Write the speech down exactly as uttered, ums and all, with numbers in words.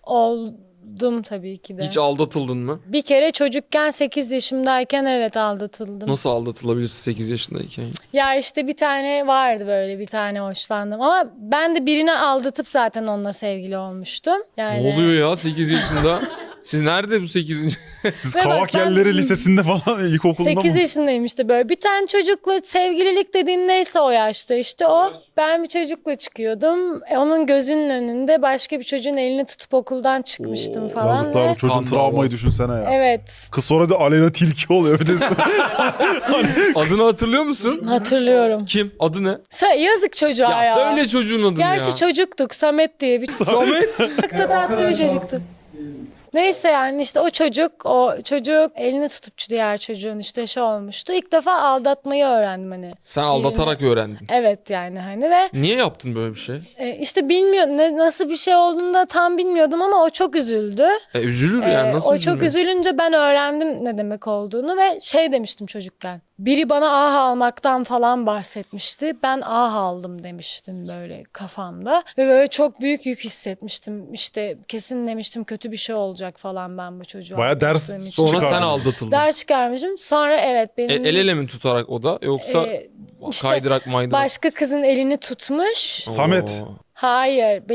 Oldum tabii ki de. Hiç aldatıldın mı? Bir kere çocukken sekiz yaşımdayken evet aldatıldım. Nasıl aldatılabilirsin sekiz yaşındayken? Ya işte bir tane vardı böyle bir tane hoşlandım. Ama ben de birini aldatıp zaten onunla sevgili olmuştum. Yani... Ne oluyor ya sekiz yaşında? Siz nerede bu sekizinci? Siz Ve bak Kavak ben- Yerleri Lisesi'nde falan ilkokulunda sekiz mı? yaşındayım işte böyle. Bir tane çocukla sevgililik dediğin neyse o yaşta işte o. Ben bir çocukla çıkıyordum. E, onun gözünün önünde başka bir çocuğun elini tutup okuldan çıkmıştım Oo, falan. Yazıklar ve... bu çocuğun Kan travmayı davası. düşünsene ya. Evet, Kız sonra da Aleyna Tilki oluyor. Bir de Adını hatırlıyor musun? hatırlıyorum. Kim? Adı ne? Sa- yazık çocuğa ya. Ya, söyle çocuğun adını Gerçi ya. çocuktuk, Samet diye bir Samet. çok da tatlı bir çocuktu. Neyse yani işte o çocuk, o çocuk elini tutup diğer çocuğun işte şey olmuştu. İlk defa aldatmayı öğrendim hani. Sen aldatarak öğrendin. Evet yani hani ve Niye yaptın böyle bir şey? e, işte bilmiyorum ne, nasıl bir şey olduğunu da tam bilmiyordum ama o çok üzüldü. E, üzülür yani Ee, nasıl o çok üzülmez? üzülünce ben öğrendim ne demek olduğunu ve şey demiştim çocukken. Biri bana ah almaktan falan bahsetmişti. Ben ah aldım demiştim böyle kafamda. Ve böyle çok büyük yük hissetmiştim. İşte kesin demiştim kötü bir şey olacak falan ben bu çocuğa. Baya ders aldattığım için. Sonra Çıkardın. sen aldatıldın. Ders çıkarmışım. Sonra evet E, benim el ele mi tutarak o da yoksa e, işte kaydırak maydırak? başka kızın elini tutmuş. Samet. Hayır.